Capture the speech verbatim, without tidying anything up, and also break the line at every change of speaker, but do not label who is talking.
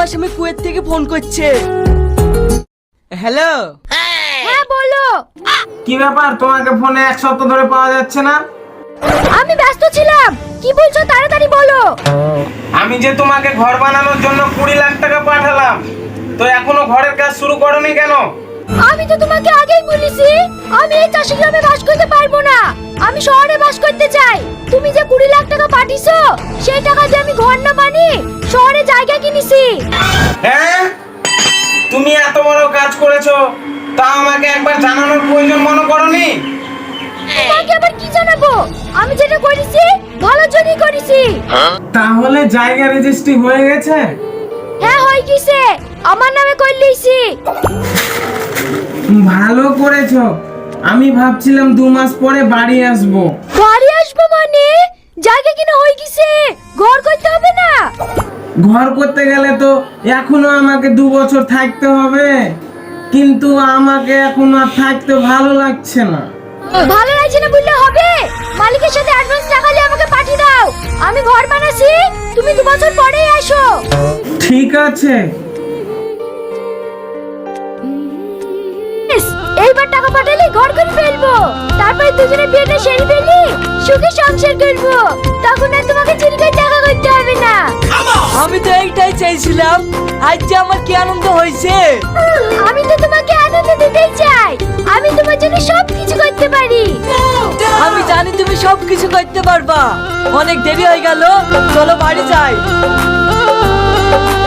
তোমার স্বামী কুয়েত থেকে ফোন করছে। হ্যালো।
হ্যাঁ বলো।
কি ব্যাপার, তোমাকে ফোনে এক সপ্তাহ ধরে পাওয়া যাচ্ছে না?
আমি ব্যস্ত ছিলাম, কি বলছো তাড়াতাড়ি বলো।
আমি যে তোমাকে ঘর বানানোর জন্য কুড়ি লাখ টাকা পাঠালাম, তো এখনো ঘরের কাজ শুরু করোনি কেন?
আমি তো তোমাকে আগেই বলেছি আমি এই চাষি গ্রামে বাস করতে পারবো না, আমি শহরে বাস করতে চাই। তুমি যে কুড়ি লাখ টাকা পাঠিয়েছো সেই টাকা দিয়ে আমি ঘর না বানিয়ে শহরে জায়গা কিনেছি।
হ্যাঁ, তুমি এত বড় কাজ করেছো, তা আমাকে একবার জানানোর প্রয়োজন মনে করোনি?
তোমাকে আবার কি জানাবো, আমি যেটা করেছি ভালোর জন্যই করেছি।
তাহলে জায়গা রেজিস্ট্রি হয়ে গেছে?
হ্যাঁ হয়ে গেছে, আমার নামে করে লিয়েছি।
ভালো করেছো, আমি ভাবছিলাম দু মাস পরে বাড়ি আসবো।
বাড়ি আসবো মানে? জায়গা কিনা হয়ে গেছে, ঘর করতে হবে না?
ঘর করতে গেলে তো এখনো আমাকে দু বছর থাকতে হবে, কিন্তু আমাকে এখন আর থাকতে ভালো লাগছে না।
ভালো লাগছে না বললে হবে, মালিকের সাথে অ্যাডভান্স টাকা দিয়ে আমাকে পাঠিয়ে দাও, আমি ঘর বানাচ্ছি, তুমি দু বছর পরেই আসো।
ঠিক আছে।
ইস, এইবার টাকা পাঠালে ঘর করে ফেলবো, তারপরে দুজনে বিয়েটা সেরে ফেলি, সুখে সংসার করবো, তখন আর তোমাকে চুরি করে টাকা করতে হবে না।
আমি তো এইটাই চাইছিলাম, আজ যে আমার কি আনন্দ হয়েছে।
আমি তো তোমাকে আনন্দ দিতেই চাই, আমি তোমার জন্য সব কিছু করতে পারি।
আমি জানি তুমি সব কিছু করতে পারবা। অনেক দেরি হয়ে গেল, চলো বাড়ি যাই।